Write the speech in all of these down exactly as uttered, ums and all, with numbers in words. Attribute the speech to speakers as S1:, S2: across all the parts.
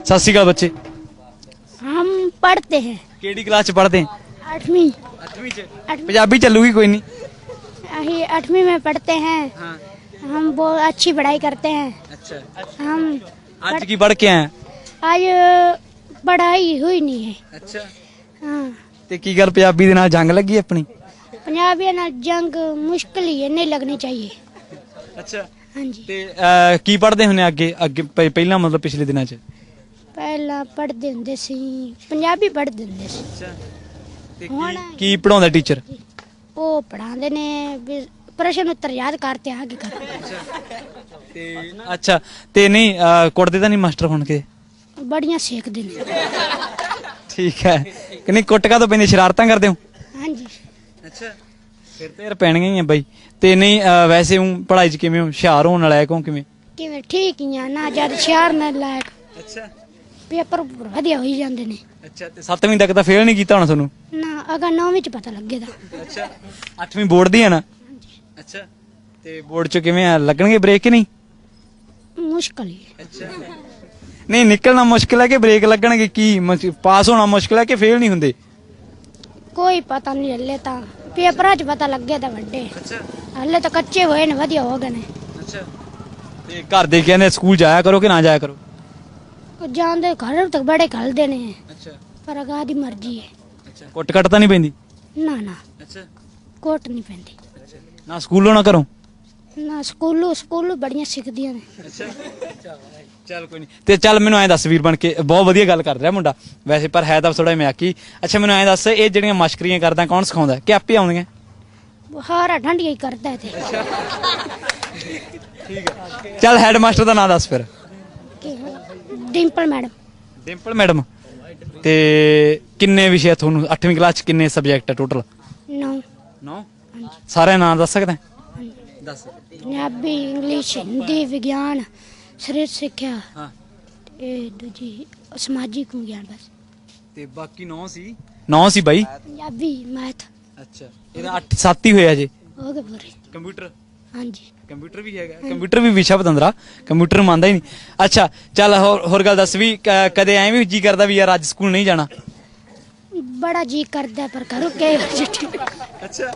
S1: सत श्री अकाल बच्चे।
S2: हम पढ़ते हैं
S1: केड़ी क्लास च पढ़ते हैं?
S2: आठवीं
S1: अठवीं च।
S2: आठवीं
S1: पंजाबी चलूगी कोई नहीं?
S2: अही आठवीं में पढ़ते हैं।
S1: हाँ।
S2: हम बहुत अच्छी पढ़ाई करते हैं।
S1: अच्छा।
S2: हम
S1: आज की पढ़ के आए?
S2: आज पढ़ाई हुई नहीं है।
S1: अच्छा।
S2: हाँ
S1: ते की गल पंजाबी दे नाल जंग लगी अपनी?
S2: पंजाबी ना जंग मुश्किल ही है, नहीं लगनी चाहिए।
S1: अच्छा।
S2: हाँ जी।
S1: ते अ, की पढ़दे हुने अगे अगे प- पहला मतलब पिछले दिनां च?
S2: पहला पढ़ते हुंदे सी पंजाबी पढ़ते हुंदे सी।
S1: अच्छा। ते
S2: ਹੁਣ
S1: की की पढ़ाਉਂਦਾ टीचर?
S2: ਉਹ ਪੜਾਉਂਦੇ ਨੇ ਵੀ ਪ੍ਰਸ਼ਨ ਉੱਤਰ ਯਾਦ ਕਰਤੇ ਆਗੇ ਕਰ।
S1: ਤੇ ਅੱਛਾ ਤੇ ਨਹੀਂ ਅ, ਕੁੱਟਦੇ ਤਾਂ ਨਹੀਂ ਮਾਸਟਰ ਹੁਣ ਕੇ?
S2: ਬੜੀਆਂ ਸੇਕਦੇ ਨੇ।
S1: ਠੀਕ ਹੈ ਕਿ ਨਹੀਂ? ਕੁੱਟ ਕਾ ਤੋਂ ਪੈਂਦੀ, ਸ਼ਰਾਰਤਾਂ ਕਰਦੇ ਹੋ?
S2: ਹਾਂਜੀ
S1: ਅੱਛਾ। ਫਿਰ ਤੇ ਯਾਰ ਪੈਣੀਆਂ ਹੀ ਆ ਬਾਈ। ਤੇ ਨਹੀਂ ਅ, ਵੈਸੇ ਹੂੰ ਪੜ੍ਹਾਈ 'ਚ ਕਿਵੇਂ ਹੋ? ਹੁਸ਼ਿਆਰ ਹੋਣ ਵਾਲਾ ਹੈ ਕਿਉਂ ਕਿਵੇਂ?
S2: ਕਿਵੇਂ ਠੀਕ ਹੀ ਆ ਨਾ, ਜਦ ਸ਼ਹਿਰ ਨਾਲ ਲਾਇਕ
S1: ਅੱਛਾ।
S2: ਪੇਪਰ ਵਧੀਆ ਹੋਈ ਜਾਂਦੇ ਨੇ।
S1: ਅੱਛਾ ਤੇ ਸੱਤਵੀਂ ਤੱਕ ਤਾਂ ਫੇਲ ਨਹੀਂ ਕੀਤਾ ਹੋਣਾ ਤੁਹਾਨੂੰ?
S2: ਨਾ ਅਗਰ ਨੌਵੀਂ ਚ ਪਤਾ ਲੱਗੇਗਾ।
S1: ਅੱਛਾ। ਅੱਠਵੀਂ ਬੋਰਡ ਦੀ ਹੈ ਨਾ? ਅੱਛਾ। ਤੇ ਬੋਰਡ 'ਚ ਕਿਵੇਂ ਆ, ਲੱਗਣਗੇ ਬ੍ਰੇਕ ਕਿ ਨਹੀਂ?
S2: ਮੁਸ਼ਕਲ ਹੀ ਹੈ।
S1: ਅੱਛਾ। ਨਹੀਂ ਨਿਕਲਣਾ ਮੁਸ਼ਕਿਲ ਹੈ ਕਿ ਬ੍ਰੇਕ ਲੱਗਣਗੇ? ਕੀ ਮੁਸ਼- ਪਾਸ ਹੋਣਾ ਮੁਸ਼ਕਿਲ ਹੈ ਕਿ ਫੇਲ ਨਹੀਂ ਹੁੰਦੇ?
S2: ਕੋਈ ਪਤਾ ਨਹੀਂ ਹਲੇ ਤਾਂ ਪੇਪਰਾਂ ਚ ਪਤਾ ਲੱਗੇ ਤਾਂ ਵੱਡੇ
S1: ਅੱਛਾ।
S2: ਹਲੇ ਤਾਂ ਕੱਚੇ ਹੋਏ ਨੇ, ਵਧੀਆ ਹੋ ਗਏ ਨੇ।
S1: ਅੱਛਾ। ਤੇ ਘਰ ਦੇ ਕਹਿੰਦੇ ਸਕੂਲ ਜਾਇਆ ਕਰੋ ਕਿ ਨਾ ਜਾਇਆ ਕਰੋ?
S2: ਉਹ ਜਾਂਦੇ ਘਰ ਤੱਕ ਬੜੇ ਘਲਦੇ ਨੇ,
S1: ਅੱਛਾ।
S2: ਪਰ ਅਗਾ ਦੀ ਮਰਜ਼ੀ ਹੈ।
S1: ਅੱਛਾ। ਕੁੱਟ ਕੱਟ ਤਾਂ ਨਹੀਂ ਪੈਂਦੀ?
S2: ਨਾ ਨਾ
S1: ਅੱਛਾ।
S2: ਕੋਟ ਨਹੀਂ ਪੈਂਦੀ।
S1: ਨਾ ਸਕੂਲੋਂ ਨਾ ਕਰੋ?
S2: ਨਾ ਸਕੂਲੋਂ ਸਕੂਲੋਂ ਬੜੀਆਂ ਸਿੱਖਦੀਆਂ ਨੇ।
S1: ਅੱਛਾ। ਚੱਲ ਕੋਈ ਨਹੀਂ। ਤੇ ਚੱਲ ਮੈਨੂੰ ਐਂ ਦੱਸ ਵੀਰ ਬਣ ਕੇ, ਬਹੁਤ ਵਧੀਆ ਗੱਲ ਕਰ ਰਿਹਾ ਮੁੰਡਾ ਵੈਸੇ, ਪਰ ਹੈ ਤਾਂ ਥੋੜਾ ਮਜ਼ਾਕੀ। ਅੱਛਾ ਮੈਨੂੰ ਐਂ ਦੱਸ, ਇਹ ਜਿਹੜੀਆਂ ਮਸ਼ਕਰੀਆਂ ਕਰਦਾ ਕੌਣ ਸਿਖਾਉਂਦਾ ਕਿ ਆਪੇ ਆਉਂਦੀਆਂ?
S2: ਬੁਖਾਰਾ ਠੰਡੀਆਂ ਹੀ ਕਰਦਾ ਹੈ ਤੇ
S1: ਠੀਕ ਹੈ। ਚੱਲ ਹੈਡ ਮਾਸਟਰ ਦਾ ਨਾਂ ਦੱਸ ਫਿਰ।
S2: ਕੀ ਡਿੰਪਲ ਮੈਡਮ।
S1: ਡਿੰਪਲ ਮੈਡਮ। ਤੇ ਕਿੰਨੇ ਵਿਸ਼ੇ ਤੁਹਾਨੂੰ ਅੱਠਵੀਂ ਕਲਾਸ ਚ ਕਿੰਨੇ ਸਬਜੈਕਟ ਹੈ ਟੋਟਲ?
S2: ਨੌ
S1: ਨੌ। ਸਾਰਿਆਂ ਨਾਂ ਦੱਸ ਸਕਦਾ? ਦੱਸ।
S2: ਪੰਜਾਬੀ, ਇੰਗਲਿਸ਼, ਹਿੰਦੀ, ਵਿਗਿਆਨ, ਸਰੀਰ ਸਿੱਖਿਆ
S1: ਹਾਂ।
S2: ਇਹ ਦੂਜੀ ਸਮਾਜਿਕ ਵਿਗਿਆਨ ਬਸ।
S1: ਤੇ ਬਾਕੀ ਨੌ ਸੀ? ਨੌ ਸੀ ਬਾਈ।
S2: ਪੰਜਾਬੀ, ਮੈਥ
S1: ਅੱਛਾ। ਇਹਦਾ ਅੱਠ ਸੱਤ ਹੀ ਹੋਇਆ ਜੇ।
S2: ਹੋ ਗਏ ਪੂਰੇ।
S1: ਕੰਪਿਊਟਰ?
S2: ਹਾਂਜੀ
S1: ਕੰਪਿਊਟਰ ਵੀ ਹੈਗਾ? ਕੰਪਿਊਟਰ ਵੀ ਵਿਸ਼ਾ ਪਤੰਦਰਾ, ਕੰਪਿਊਟਰ ਮੰਨਦਾ ਹੀ ਨਹੀਂ। ਅੱਛਾ ਚੱਲ ਹੋਰ ਹੋਰ ਗੱਲ ਦੱਸ ਵੀ, ਕ- ਕਦੇ ਐਂ ਵੀ ਜੀ ਕਰਦਾ ਵੀ ਯਾਰ ਅੱਜ ਸਕੂਲ ਨਹੀਂ ਜਾਣਾ?
S2: ਬੜਾ ਜੀ ਕਰਦਾ ਪਰ ਘਰੋਂ ਕੇ
S1: ਅੱਛਾ।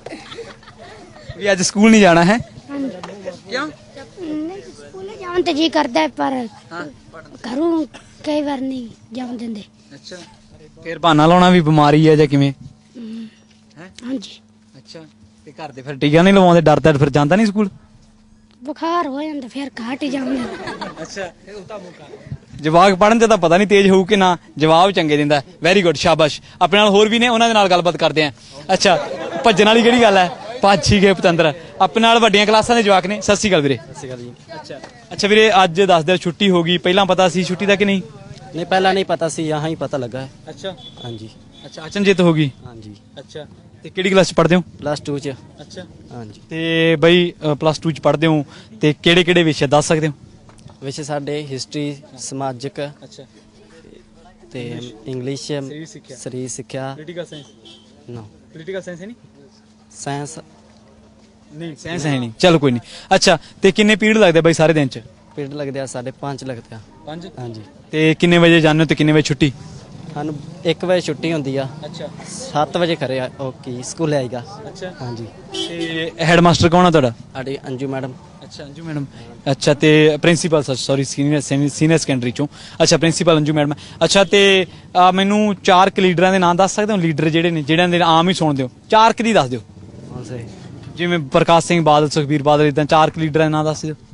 S1: ਵੀ ਅੱਜ ਸਕੂਲ ਨਹੀਂ ਜਾਣਾ ਹੈ? ਕਿਉਂ?
S2: ਨਹੀਂ ਸਕੂਲੇ ਜਾਣ ਤੇ ਜੀ ਕਰਦਾ ਹੈ, ਪਰ ਘਰੋਂ ਕਈ ਵਾਰ ਨਹੀਂ ਜਾਣ ਦਿੰਦੇ।
S1: ਅੱਛਾ। ਫਿਰ ਬਹਾਨਾ ਲਾਉਣਾ ਵੀ ਬਿਮਾਰੀ ਹੈ ਜਾਂ ਕਿਵੇਂ?
S2: ਹਮ,
S1: ਹੈ।
S2: ਹਾਂਜੀ
S1: ਅੱਛਾ। ਤੇ ਘਰ ਦੇ ਫਿਰ ਟੀਕਾ ਨਹੀਂ ਲਵਾਉਂਦੇ, ਡਰਦਾ ਫਿਰ ਜਾਂਦਾ ਨਹੀਂ ਸਕੂਲ?
S2: ਬੁਖਾਰ ਹੋ ਜਾਂਦਾ ਫਿਰ ਘਾਟ ਹੀ ਜਾਂਦੇ।
S1: ਅੱਛਾ। ਜਵਾਕ ਪੜਨ ਤੇ ਤਾਂ ਪਤਾ ਨਹੀਂ ਤੇਜ਼ ਹੋਊ ਕਿ ਨਾ, ਜਵਾਬ ਚੰਗੇ ਦਿੰਦਾ। ਵੈਰੀ ਗੁੱਡ, ਸ਼ਾਬਾਸ਼। ਆਪਣੇ ਨਾਲ ਹੋਰ ਵੀ ਨੇ, ਉਹਨਾਂ ਦੇ ਨਾਲ ਗੱਲਬਾਤ ਕਰਦੇ ਆਂ। ਅੱਛਾ ਭੱਜਣ ਵਾਲੀ ਕਿਹੜੀ ਗੱਲ ਹੈ? ਭੱਜ ਹੀ ਗਏ ਪਤੰਦਰ। ਆਪਣੇ ਨਾਲ ਵੱਡੀਆਂ ਕਲਾਸਾਂ ਦੇ ਜਵਾਕ ਨੇ। ਸਤਿ ਸ਼੍ਰੀ ਅਕਾਲ ਵੀਰੇ।
S3: ਸਤਿ ਸ਼੍ਰੀ ਅਕਾਲ ਜੀ।
S1: ਅੱਛਾ। ਅੱਛਾ ਵੀਰੇ ਅੱਜ ਦੱਸ ਦਿਓ, ਛੁੱਟੀ ਹੋ ਗਈ, ਪਹਿਲਾਂ ਪਤਾ ਸੀ ਛੁੱਟੀ ਦਾ ਕਿ ਨਹੀਂ?
S3: नहीं पहला नहीं पता सी, यहाँ ही पता लगा है।
S1: ਅੱਛਾ।
S3: हाँ जी।
S1: ਅੱਛਾ ਅਚਨਚੇਤ ਹੋ ਗਈ?
S3: हाँ जी।
S1: ਅੱਛਾ। ਤੇ ਕਿਹੜੀ ਕਲਾਸ ਚ ਪੜ੍ਹਦੇ ਹੋ?
S3: प्लस टू च।
S1: ਅੱਛਾ।
S3: हाँ जी।
S1: ਤੇ ਬਈ ਪਲੱਸ ਟੂ ਚ ਪੜ੍ਹਦੇ ਹੋ ਤੇ ਕਿਹੜੇ ਕਿਹੜੇ ਵਿਸ਼ੇ ਦੱਸ ਸਕਦੇ ਹੋ?
S3: विषय साडे हिस्ट्री, समाजिक
S1: ਅੱਛਾ।
S3: ते इंग्लिश,
S1: सरीर सिक्ख्या।
S3: शरीर सिक्ख्या।
S1: Political science?
S3: No
S1: political science ਹੈ ਨਹੀਂ?
S3: साइंस
S1: ਨਹੀਂ ਸਾਇੰਸ ਹੈ ਨਹੀਂ। ਚਲ ਕੋਈ ਨਹੀਂ। ਅੱਛਾ ਤੇ ਕਿੰਨੇ ਪੀਰੀਅਡ ਲੱਗਦੇ ਬਾਈ ਸਾਰੇ ਦਿਨ ਚ?
S3: पीरियड लगते हैं साढ़े पाँच लगते हैं।
S1: ਪੰਜ।
S3: हाँ जी।
S1: ਤੇ ਕਿੰਨੇ ਵਜੇ ਜਾਂਦੇ ਹੋ ਤੇ ਕਿੰਨੇ ਵਜੇ ਛੁੱਟੀ?
S3: सानू एक बजे छुट्टी होंदी आ,
S1: ਅੱਛਾ।
S3: सत्त बजे खरे ओके स्कूल आएगा।
S1: ਅੱਛਾ।
S3: हाँ जी।
S1: ਤੇ ਹੈਡ ਮਾਸਟਰ ਕੌਣ ਆ ਤੁਹਾਡਾ?
S3: साडी अंजू मैडम।
S1: ਅੱਛਾ ਅੰਜੂ ਮੈਡਮ। ਅੱਛਾ ਤੇ principal sorry senior senior secondary ਚੋਂ। ਅੱਛਾ ਪ੍ਰਿੰਸੀਪਲ ਅੰਜੂ ਮੈਡਮ। ਅੱਛਾ ਤੇ ਅਹ, ਮੈਨੂੰ ਚਾਰ ਕੁ ਲੀਡਰਾਂ ਦੇ ਨਾਮ ਦੱਸ ਸਕਦੇ ਹੋ? ਲੀਡਰ ਜਿਹੜੇ ਨੇ ਜਿਹੜਿਆਂ ਦੇ ਆਮ ਹੀ ਸੁਣਦੇ ਹੋ, ਚਾਰ ਕੁ ਦੀ ਦੱਸ ਦਿਓ।
S3: कौन से?
S1: ਜਿਵੇਂ ਪ੍ਰਕਾਸ਼ ਸਿੰਘ ਬਾਦਲ, ਸੁਖਬੀਰ ਬਾਦਲ, ਇਦਾਂ ਚਾਰ ਕੁ ਲੀਡਰਾਂ ਦੇ ਨਾਮ ਦੱਸ ਦਿਓ।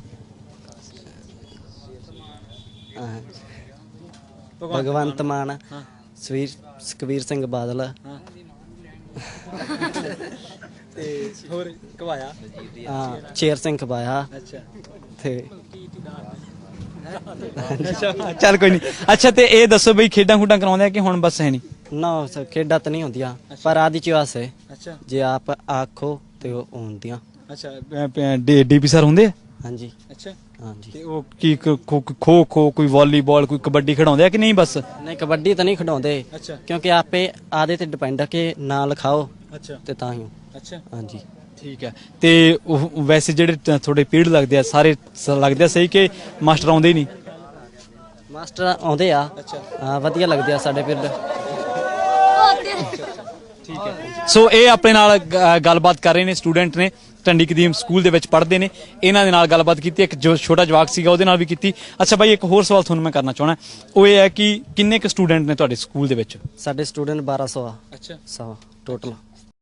S3: हाँ। भगवंत मान, सुवीर सुखबीर सिंह बादल,
S1: ਤੇ ਹੋਰ ਕਵਾਇਆ?
S3: हाँ शेर सिंह खबाया
S1: ਅੱਛਾ।
S3: थे।
S1: ਅੱਛਾ ਚੱਲ ਕੋਈ ਨਹੀਂ। ਅੱਛਾ ਤੇ ਇਹ ਦੱਸੋ ਬਈ ਖੇਡਾਂ ਖੂਡਾਂ ਕਰਾਉਂਦੇ ਆ ਕਿ ਹੁਣ ਬਸ ਹੈ ਨਹੀਂ?
S3: ਨਾ ਖੇਡਾਂ ਤਾਂ ਨਹੀਂ ਹੁੰਦੀਆਂ, ਪਰ ਆਦੀ ਚ ਵਾਸੇ
S1: ਅੱਛਾ।
S3: ਜੇ ਆਪ ਆਖੋ ਤੇ ਉਹ ਹੁੰਦੀਆਂ।
S1: ਅੱਛਾ ਡੀਪੀ ਸਰ ਹੁੰਦੇ ਆ?
S3: ਹਾਂਜੀ।
S1: ਅੱਛਾ।
S3: ਹਾਂਜੀ।
S1: ਤੇ ਉਹ ਕੀ ਖੋ ਖੋ ਖੋ ਕੋਈ ਵਾਲੀਬਾਲ ਕੋਈ ਕਬੱਡੀ ਖਿਡਾਉਂਦੇ ਆ ਕਿ ਨਹੀਂ ਬਸ?
S3: ਨਹੀਂ ਕਬੱਡੀ ਤਾਂ ਨਹੀਂ ਖਿਡਾਉਂਦੇ,
S1: ਅੱਛਾ।
S3: ਕਿਉਂਕਿ ਆਪੇ ਆਦੇ ਤੇ ਡਿਪੈਂਡ ਆ ਕਿ ਨਾਂ ਲਿਖਾਓ
S1: ਅੱਛਾ।
S3: ਤੇ ਤਾਂ ਹੀ।
S1: ਅੱਛਾ
S3: ਹਾਂਜੀ।
S1: ਠੀਕ ਹੈ। ਤੇ ਉਹ ਵੈਸੇ ਜਿਹੜੇ ਤ- ਤੁਹਾਡੇ ਪੀਰੀਅਡ ਲੱਗਦੇ ਆ ਸਾਰੇ ਸ- ਲੱਗਦੇ ਆ ਸਹੀ ਕਿ ਮਾਸਟਰ ਆਉਂਦੇ ਹੀ ਨਹੀਂ?
S3: ਮਾਸਟਰ ਆਉਂਦੇ ਆ ਹਾਂ, ਵਧੀਆ ਲੱਗਦੇ ਆ ਸਾਡੇ ਪਿੰਡ।
S1: ਠੀਕ ਹੈ। ਸੋ ਇਹ ਆਪਣੇ ਨਾਲ ਗ- ਗੱਲਬਾਤ ਕਰ ਰਹੇ ਨੇ, ਸਟੂਡੈਂਟ ਨੇ, ਟੰਡੀ ਕਦੀਮ ਸਕੂਲ ਦੇ ਵਿੱਚ ਪੜ੍ਹਦੇ ਨੇ। ਇਹਨਾਂ ਦੇ ਨਾਲ ਗੱਲਬਾਤ ਕੀਤੀ, ਇੱਕ ਜੋ ਛੋਟਾ ਜਵਾਕ ਸੀਗਾ ਉਹਦੇ ਨਾਲ ਵੀ ਕੀਤੀ। ਅੱਛਾ ਬਾਈ, ਇੱਕ ਹੋਰ ਸਵਾਲ ਤੁਹਾਨੂੰ ਮੈਂ ਕਰਨਾ ਚਾਹਣਾ, ਉਹ ਇਹ ਹੈ ਕਿ ਕਿੰਨੇ ਕੁ ਸਟੂਡੈਂਟ ਨੇ ਤੁਹਾਡੇ ਸਕੂਲ ਦੇ ਵਿੱਚ?
S3: ਸਾਡੇ ਸਟੂਡੈਂਟ ਬਾਰਾਂ ਸੌ ਆ।
S1: ਅੱਛਾ,
S3: ਸੌ ਟੋਟਲ।